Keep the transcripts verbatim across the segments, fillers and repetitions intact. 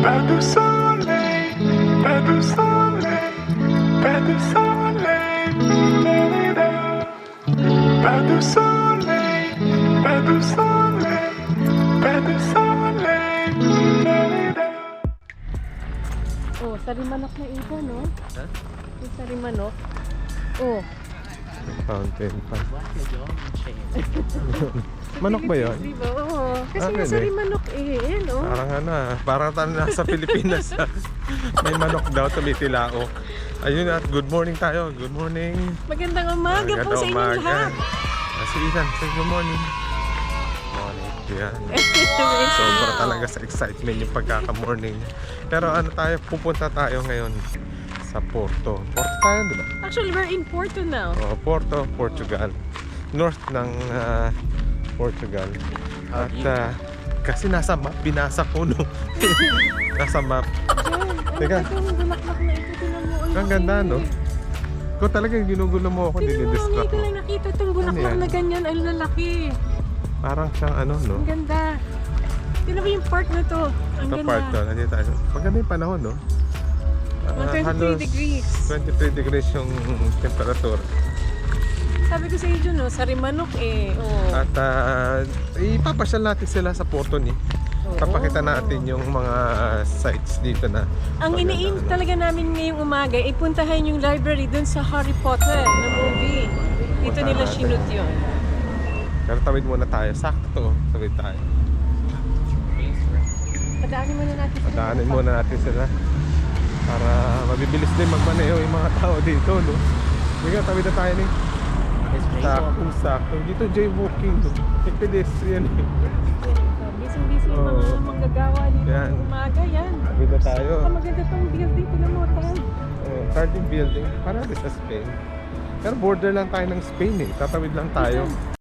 Pas de soleil, pas de soleil, pas de soleil, da-da-da. Pas de soleil, pas de soleil, pas de soleil, da-da-da. Oh, sarimanok na iba, no? Ha? Yung sarimanok. Oh. Fountain pa. Manok ba yun? Di ba? Oo. Kasi Ah, nga pwede. sarimanok eh. Yan, oh. Parang ano ah, parang tayo nasa Pilipinas ah. May manok daw, tumitilao. Ayun at good morning tayo. Good morning. Magandang umaga po Magandang sa inyong umaga. lahat. Ah, si Ethan, say good morning. Morning. Yan. Sobra talaga sa excitement yung pagkaka-morning. Pero ano tayo, pupunta tayo ngayon sa Porto. Porto tayo, di ba? Actually, we're in Porto now. Oh, Porto, Portugal. North ng ah, Portugal. At ah, kasi nasa map, binasa ko no. Nasa map. Diyan. Teka. Ano ba itong bulaklak na ito? Tinan mo. Ang Ang ganda, laki. no? Kung talagang ginugulo mo ako, Tinan mo, dinidistract ngayon ko mo. lang nakita itong Ano bulaklak yan? na ganyan. Ang lalaki. Parang siyang ano, no? Ang ganda. Tinan mo yung park na to. Ang Ito ganda. part to, nandito tayo. Maganda yung panahon, no? Ah, Mga twenty-three halos degrees. twenty-three degrees yung temperature. Sabi ko sa iyo, no? Sarimanok eh. Oh. At uh, ipapasyal natin sila sa Porto ni. Papakita natin yung mga sites dito na. Ang maganda, iniim ano. talaga namin ngayong umaga ay puntahan yung library dun sa Harry Potter na movie. Dito Puntahan nila natin. sinut yun. Pero tawid muna tayo. Sakto to. Tawid tayo. Padaanin muna natin sila. Padaanin muna natin sila. Para mabibilis din magmaneho yung mga tao dito, no? Sige, tawid na tayo ni. Sakto, sakto. Dito jaywalking, no? May pedestrian eh. Busy-busy yung mga Oo. manggagawa dito Yan. ngayong umaga. Yan. Tawid na tayo. Ang maganda tong building. Tinan mo, tan. Oh, Cardin Building. Para din sa Spain. Pero border lang tayo ng Spain eh. Tatawid lang tayo.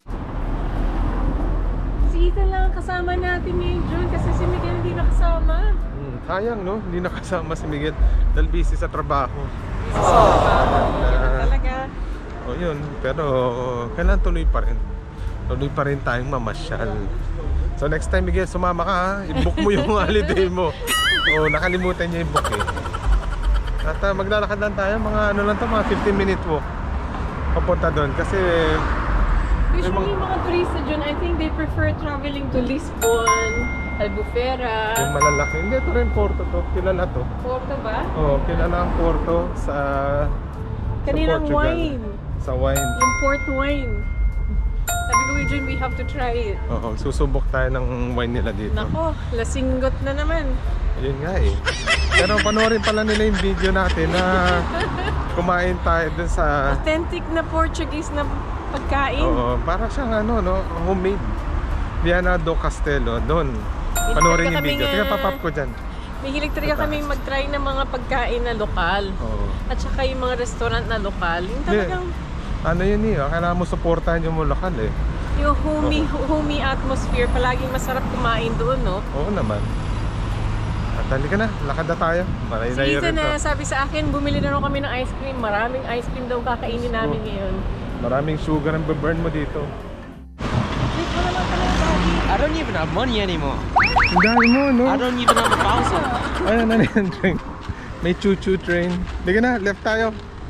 Si Ethan lang ang kasama natin ngayon, June, kasi si Miguel hindi nakasama. Hmm, sayang, no? Hindi nakasama si Miguel dahil busy sa trabaho. Busy sa trabaho. Ah. Yan talaga. O yun, pero kailangan tuloy pa rin. Tuloy pa rin tayong mamasyal. So next time, Miguel, sumama ka ha. I-book mo yung holiday mo. O nakalimutan niya i-book eh. At uh, maglalakad lang tayo, mga ano lang to, mga fifteen minute walk. Papunta doon kasi Usually, mga- yung mga turista dyan, I think they prefer traveling to Lisbon, Albufera. yung malalaki. Hindi, ito rin Porto to. Kilala to. Porto ba? Oo, kilala ang Porto sa, sa Kanilang Portugal. wine. Sa wine. Yung port wine. Sabi ko, Jun, we have to try it. Oo, susubok tayo ng wine nila dito. Nako, lasinggot na naman. Yun nga eh. Pero panoorin pala nila yung video natin na kumain tayo dun sa... Authentic na Portuguese na pagkain. Oo, para siyang ano, no, homemade. Viana do Castelo, doon. Panoorin yung kami video. nga- Tingnan, papap ko dyan. Mahilig talaga kaming mag-try ng mga pagkain na lokal. Oo. At saka yung mga restaurant na lokal. Yung Hindi. talagang Ano yun eh, oh, kailangan mo supportahan yung mga lokal eh. yung homey, homey atmosphere. Palaging masarap kumain doon, no? Oo naman. At halika na, lakad na tayo. Maray Si na yun Ethan rin to. na sabi sa akin, bumili na rin kami ng ice cream. Maraming ice cream daw kakainin namin ngayon. Maraming sugar ang burn mo dito. Wait, wala lang pala yung doggy. I don't even have money anymore. Ang dami mo, no? I don't even have a thousand. Ayan, ano yan, train. May choo-choo train. Hindi na, left tayo.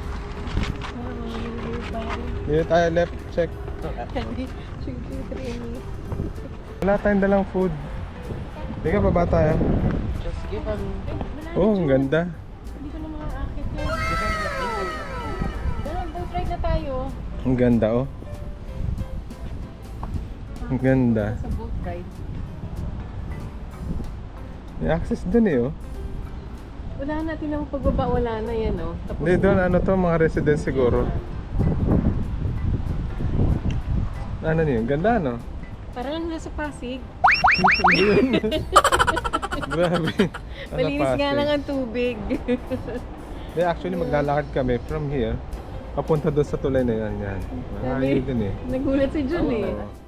Dito tayo, left, check. Wala tayong dalang food. Hindi ka, baba tayo. Just give them. Oh, ang ganda. Hindi ko na mga akit yun. Dala, boat ride na tayo. Ang ganda, oh. Ang ganda. Sa boat ride. May access dun eh, oh. Wala natin ang pagbaba, wala na yan, oh. Tapos Hindi, doon, ano to, mga residents siguro. Ano niyo? Ganda, no? parang nasa Pasig. Hindi yun. Grabe. Ano, Malinis nga Pasig? lang ang tubig. Hindi, actually, maglalakad kami from here. Papunta doon sa tulay na yan. Yan. Malayo din eh. Nagulat si Jun eh. Oo.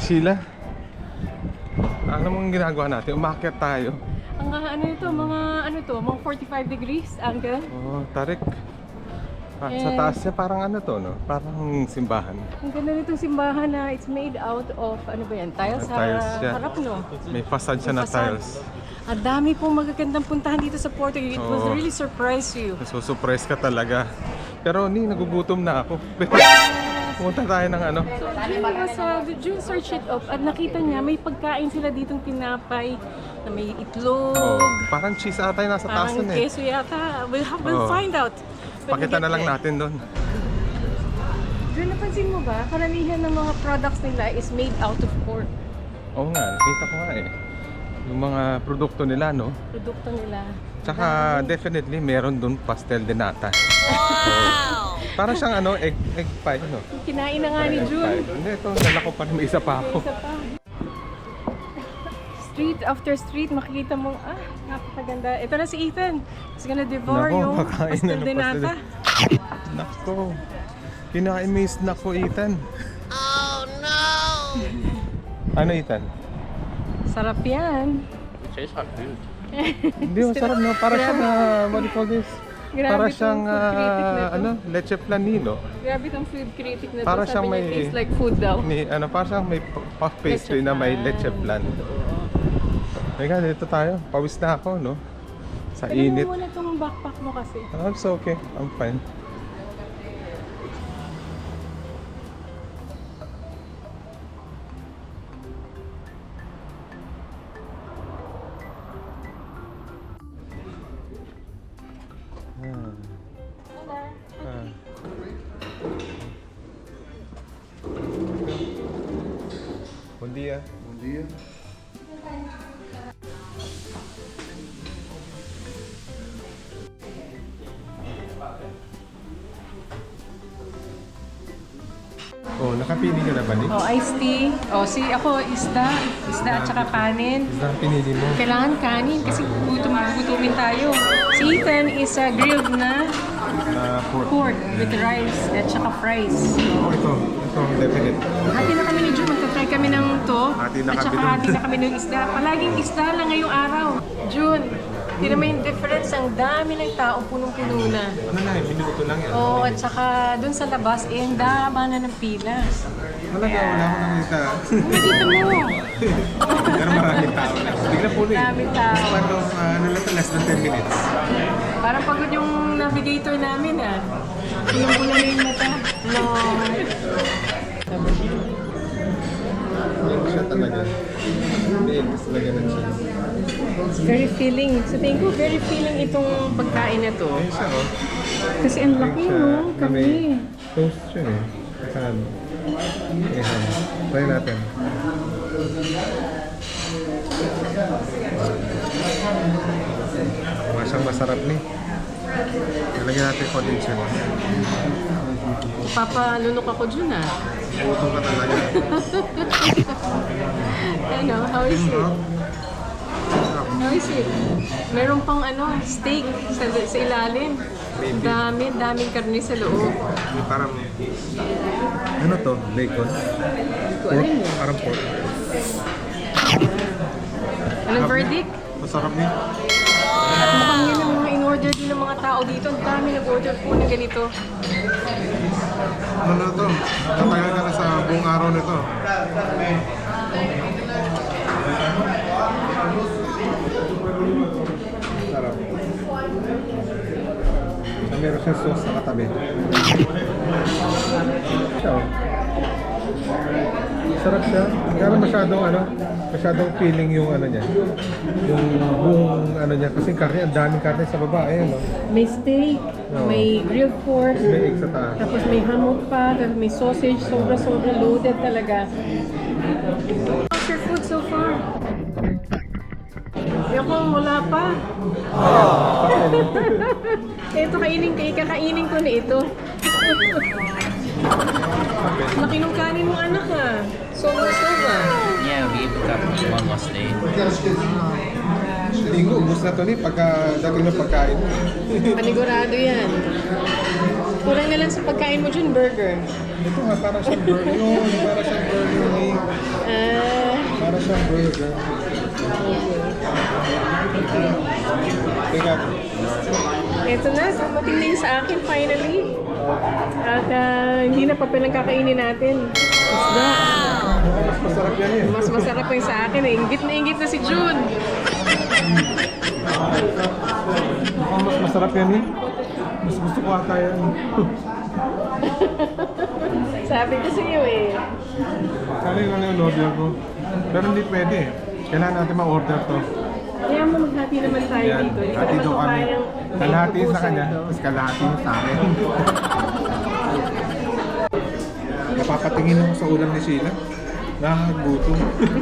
Sheila, ano mong ginagawa natin? Umakyat tayo. Ang ah, ano ito, mga ano to, mga forty-five degrees angle. Oh, tarik. Ah, sa Eh. taas niya parang ano to, no? Parang simbahan. Ang ganda nitong simbahan na it's made out of, ano ba yan, tiles sa Tiles siya. harap, no? May facade siya na Facade. tiles. Ang dami pong magagandang puntahan dito sa Porto. It will Oo. really surprise you. Nasusurprise ka talaga. Pero ni, nagugutom na ako. Pumunta tayo ng ano. So, June was, uh, June search it up at nakita niya may pagkain sila ditong tinapay na may itlog, Oh, parang cheese ata yung nasa taas parang nun eh. keso yata. We'll, have, we'll Oo. find out. when we Pakita get na lang there. natin doon. June, napansin mo ba? Karamihan ng mga products nila is made out of pork. Oo nga, nakita ko nga eh. Yung mga produkto nila, no? Produkto nila. Tsaka definitely meron doon pastel de nata. Wow! Para siyang ano, egg, egg pie, no? Kinain na nga ni Egg June. pie. Hindi, ito, dala ko pa rin, may isa pa ako. Isa pa. Street after street, makikita mo, ah, napakaganda. Ito na si Ethan. He's gonna devour Nako, yung kakain na pastel ng de pastel de- nata. Nako, kinain mo yung snack ko, Ethan. Oh no! Ano, Ethan? Sarap yan. Tastes like food. Hindi, masarap na. Para siyang, uh, what do you call this? Grabe Para tong siyang, food critic na ah, to. ano, leche planino. Grabe tong food critic na to. Para Sabi siyang niya, may- tastes like food daw. Ni, ano, para siyang may puff pastry Leche na may flan. leche flan. Teka, dito tayo. Pawis na ako, no? Sa Alam init. mo muna tong backpack mo kasi. Ah, it's okay. I'm fine. Ah. Ah. Bom dia. Bom dia. Oh, nakapili ka na ba, Nick? Oh, iced tea. Oh, si ako, isda. Isda at saka kanin. Isda ang pinili mo. Kailangan kanin kasi gutom, gutumin tayo. Si Ethan is a grilled na Ah, pork. pork with rice at saka fries. Oh, ito. Ito, definite. Hati na kami ni June, magta-try kami ng to. Hati na at kami saka dun. hati na kami ng isda. Palaging isda lang ngayong araw. June, tira mo yung difference. Ang dami ng tao, punong-puno na. Ano na eh, minuto lang yan. Oo, at saka dun sa labas, eh, ang dama na ng pila. Talaga, wala ko nakita. Dito mo, Pero maraming tao na. Bigla po rin. daming tao. Span of, uh, ano lang, less than ten minutes. Parang pagod yung navigator namin ah. Pulang-pula na yung mata. No. Yan siya talaga. Big talaga ng cheese. It's very filling. Sa tingin ko, very filling itong pagkain na to. Ayun siya, oh. Kasi ang laki, Siya, no? na may Kami. toast siya eh. Ayan. Ayan. Try natin. Masang masarap ni. Nalagyan natin condensed. Papalunok ako dyan ah. Utong ka talaga. Ano, how is it? How is it? Meron pang ano, steak sa, sa ilalim. Ang dami, daming karne sa loob. Parang, ano to? Bacon? Ko alam yun. Parang pork. Anong verdict? Masarap ni. At mukhang yun ang mga in-order din ng mga tao dito. Ang dami nag-order po na ganito. Ano na to? Tatagal ka na sa buong araw nito. Sarap. So, meron siyang sauce sa katabi. Siya, oh. Sarap siya. Pero masyadong ano, masyadong feeling yung ano niya. Yung buong ano niya. Kasi karne, ang daming karne sa baba. Ayan, oh. May steak, Oo. may grilled pork, May egg sa taas. tapos may hammock pa, tapos may sausage, sobra-sobra loaded talaga. How's your food so far? Yung kung wala pa. Ito kainin ko, ikakainin ko na ito. Laki nung kanin mo anak ha. Sobra-sobra. Yeah, we ate up one last day. linggo, ubus na to ni pagka dating ng pagkain. Panigurado yan. Kurang na lang sa pagkain mo dyan, burger. Ito nga, para siyang burger. Yun, para siyang burger ni. Ah, Para siyang burger. Teka. eto na, dumating na yun sa akin finally. At ah, hindi na pa pinagkakainin natin. Isda. Mas masarap yan eh. Mas masarap pa yung sa akin eh. Ingit na ingit na si June. Mukhang mas masarap yan eh. Mas gusto ko ata yan. Sabi ko sa iyo eh. Sana yun lang yung order ko. Pero hindi pwede eh. Kailangan natin ma-order to. Kaya mo maghati naman tayo Yan, dito. Hindi hati ko daw naman kami. kayang Kalahati sa ubusan kanya, ito. tapos kalahati sa akin. Napapatingin ako sa ulam ni Sheila. Nakakagutom.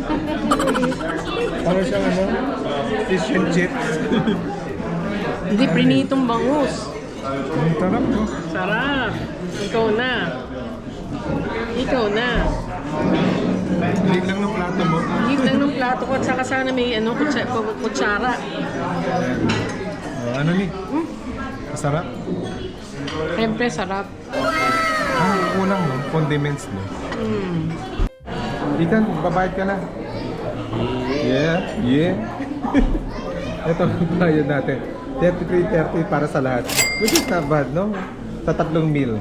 Parang siyang ano, fish and chips. Hindi, prinitong bangus. Ang sarap no? Sarap. Ikaw na. Ikaw na. Lig lang ng plato mo. Higit lang ng plato ko at saka sana may ano, kutsa- kutsara. Oh, ano ni? Masarap? Siyempre, sarap. Ah, kulang no? Condiments no? Mm. Ethan, babayad ka na. Yeah, yeah. Ito, bayad natin. thirty-three thirty para sa lahat. Which is not bad, no? Sa tatlong meal.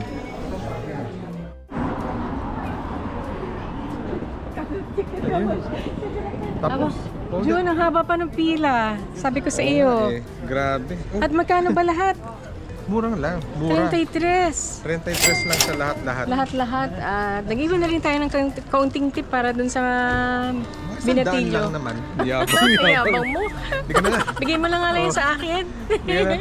Ayun. Tapos, oh, June, ang haba pa ng pila. Sabi ko sa iyo. eh, grabe. Oh, At magkano ba lahat? murang lang, mura. thirty-three. thirty-three lang sa lahat-lahat. Lahat-lahat. At nag-iwan na rin tayo ng kaun- kaunting tip para dun sa Sandaan binatilyo. lang naman. Yabang, Yabang mo. Hindi ka na nga. Bigay mo lang nga lang yun sa akin. Hindi ka na.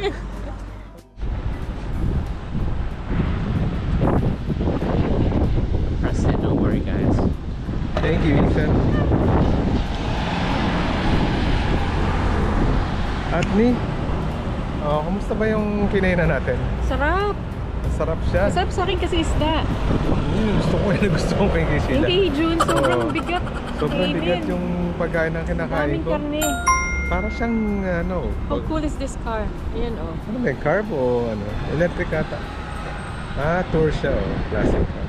Press it, don't worry guys. Thank you, Ethan. At ni, oh, kumusta ba yung kinainan natin? Sarap. Sarap siya. Masarap sa akin kasi isda. Mm, gusto ko yun, gusto ko kay Yung Sheila. kay June, sobrang Oo. bigat. Sobrang kainin. bigat yung pagkain na kinakain Daming ko. karne. Para siyang ano, How cool is this car? Ayan oh. ano ba yung carb o ano? Electric ata. Ah, tour siya oh. Classic car.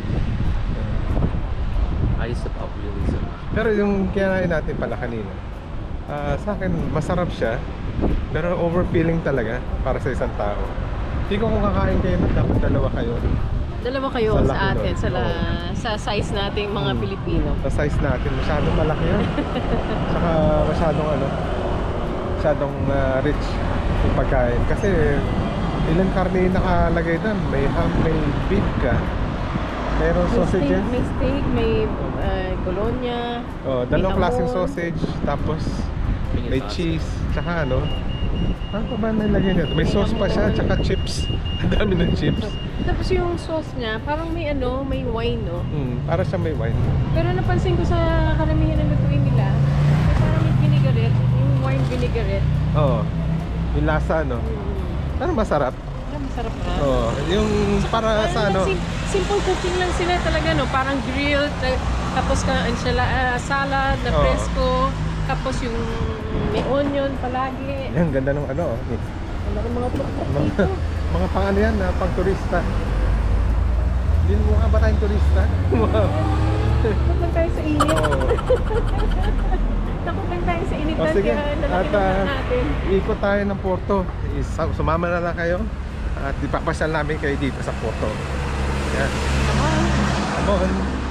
I used to pop really so much. Pero yung kinain natin pala kanina, ah, sa akin masarap siya. Pero overfilling talaga para sa isang tao. Hindi ko kung kakain kayo na dapat dalawa kayo. Dalawa kayo Sa sa, laki atin, nun. sa, la, sa size nating mga Hmm. Pilipino. Sa size natin, masyadong malaki yun. Saka masyadong ano, masyadong ah, rich yung pagkain. Kasi ilang karne yung nakalagay doon. May ham, may beef ka. Mayroon May steak, sausages. may steak, may uh, bologna. Oh, dalawang may klaseng hamon. sausage. Tapos Finger may sauce. cheese. Tsaka ano, ano pa ba nilagay nito? May sauce pa siya, tsaka chips. Ang dami ng chips. Tapos yung sauce niya, parang may ano, may wine, no? Hmm, para siya may wine. Pero napansin ko sa karamihan ng lutuin nila, may parang may vinaigrette, yung wine vinaigrette. Oo. Yung lasa, no? Mm. Pero masarap. Parang masarap na. Oo. Yung para Parang sa ano, sim- simple cooking lang sila talaga, no? Parang grilled, ta- tapos ka, ansala, ah, salad na Oo. fresco, tapos yung may onion palagi. yan, ganda ng ano. oh. Ano ng mga tuktok Mga, dito. mga pang ano yan, na, pang turista. Hindi mo nga ba tayong turista? Takot lang tayo sa init. Oo. Takot lang tayo sa init. O sige, kaya lalaki at na ah, natin. ikot tayo ng Porto. Is- Sumama na lang kayo. At ipapasyal namin kayo dito sa Porto. Yan. Come on. Come on.